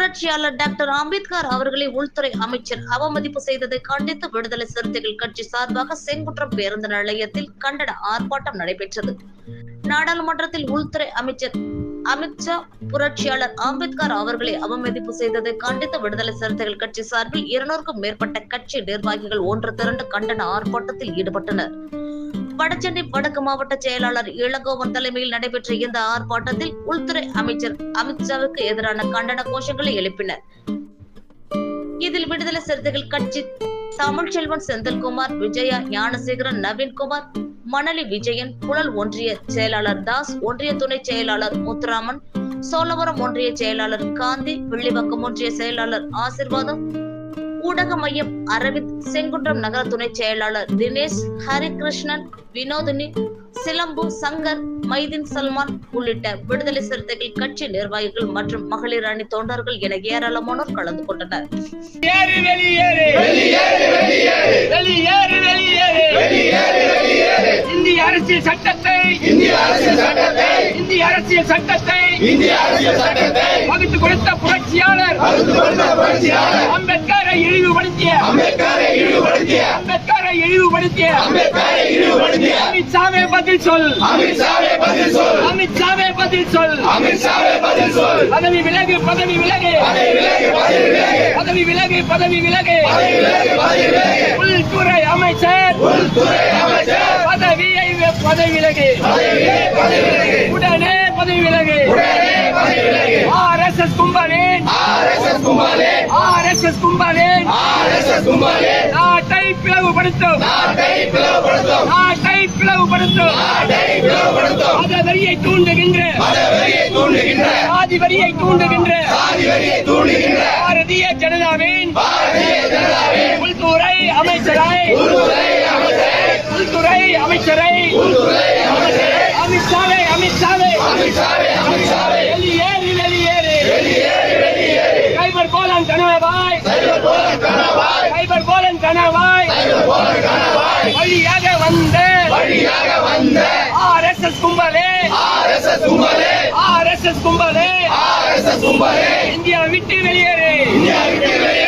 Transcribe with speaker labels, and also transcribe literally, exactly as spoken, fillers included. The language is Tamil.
Speaker 1: புரட்சியாளர் டாக்டர் அம்பேத்கர் அவர்களை உள்துறை அமைச்சர் அவமதிப்பு செய்ததை கண்டித்து விடுதலை சிறுத்தைகள் கட்சி சார்பாக செங்குன்றம் பேருந்து நிலையத்தில் கண்டன ஆர்ப்பாட்டம் நடைபெற்றது. நாடாளுமன்றத்தில் உள்துறை அமைச்சர் அமித்ஷா புரட்சியாளர் அம்பேத்கர் அவர்களை அவமதிப்பு செய்ததை கண்டித்து விடுதலை சிறுத்தைகள் கட்சி சார்பில் இருநூறுக்கும் மேற்பட்ட கட்சி நிர்வாகிகள் ஒன்று திரண்டு கண்டன ஆர்ப்பாட்டத்தில் ஈடுபட்டனர். வடசென்னை வடக்கு மாவட்ட செயலாளர் இளங்கோவன் தலைமையில் நடைபெற்ற இந்த ஆர்ப்பாட்டத்தில் உள்துறை அமைச்சர் அமித்ஷாவுக்கு எதிரான கண்டன கோஷங்களை எழுப்பினர். இதில் விடுதலை சிறுத்தைகள் கட்சி தமிழ்ச்செல்வன், செந்தில்குமார், விஜயா, ஞானசேகரன், நவீன்குமார், மணலி விஜயன், புழல் ஒன்றிய செயலாளர் தாஸ், ஒன்றிய துணை செயலாளர் முத்துராமன், சோழவரம் ஒன்றிய செயலாளர் காந்தி, வில்லிவாக்கம் ஒன்றிய செயலாளர் ஆசிர்வாதம், ஊடக மையம் அரவிந்த், செங்குன்றம் நகர துணை செயலாளர் தினேஷ், ஹரிகிருஷ்ணன், வினோதினி, சிலம்பு, சங்கர், மைதீன் சல்மான் உள்ளிட்ட விடுதலை சிறுத்தைகள் கட்சி நிர்வாகிகள் மற்றும் மகளிர் அணி தொண்டர்கள் என ஏராளமானோர் கலந்து கொண்டனர்.
Speaker 2: இந்திய அரசியல் சட்டத்தை இந்திய அரசியல் சட்டத்தை இந்திய அரசியல் சட்டத்தை இந்திய அரசியல் சட்டத்தை வகுத்து கொடுத்த புரட்சியாளர் அம்பேத்கரை இழிவுபடுத்திய அம்பேத்கரை இழிவுபடுத்திய அம்பேத்கரை இழிவுபடுத்திய அம்பேத்கரை இழிவுபடுத்திய அமித்ஷாவே பதில் சொல் அமித்ஷாவே பதில் சொல் அமித்ஷாவே பதில் சொல் அமித்ஷாவே பதில் சொல் பதவி விலகு பதவி விலகு பதவி விலகு பதவி விலகு பதவி விலகு பதவி விலகு உள்துறை அமைச்சர் உள்துறை அமைச்சர் பதவியை பதவி விலகு உடனே பதவி விலகு ஆர்எஸ்எஸ் கும்பலின் ஆர்எஸ்எஸ் கும்பலின் ஆர்எஸ்எஸ் கும்பலின் ஆர்எஸ்எஸ் கும்பலின் நாட்டை பிளவுபடுத்தும் நாட்டை பிளவுபடுத்தும் நாட்டை பிளவுபடுத்தும் நாட்டை பிளவுபடுத்தும் மதவெறியை தூண்டுகின்ற மதவெறியை தூண்டுகின்ற சாதிவெறியை தூண்டுகின்ற சாதிவெறியை தூண்டுகின்ற பாரதிய ஜனதாவின் பாரதிய ஜனதாவின் உள்துறை அமைச்சரை உள்துறை அமைச்சரை உள்துறை அமைச்சரை உள்துறை அமைச்சரை அமித்ஷாவே அமித்ஷாவே அமித்ஷாவே அமித்ஷாவே வெளியேறு வெளியேறு வெளியேறு வெளியேறு கைபர் கோலன் கனவாய் கைபர் கோலன் கனவாய் கைபர் கோலன் கனவாய் கைபர் கோலன் கனவாய் வழியாக வந்த வழியாக வந்த ஆர்எஸ்எஸ் கும்பலே ஆர்எஸ்எஸ் கும்பலே ஆர்எஸ்எஸ் கும்பலே ஆர்எஸ்எஸ் கும்பலே இந்தியா விட்டு வெளியேறு இந்தியா விட்டு வெளியேறு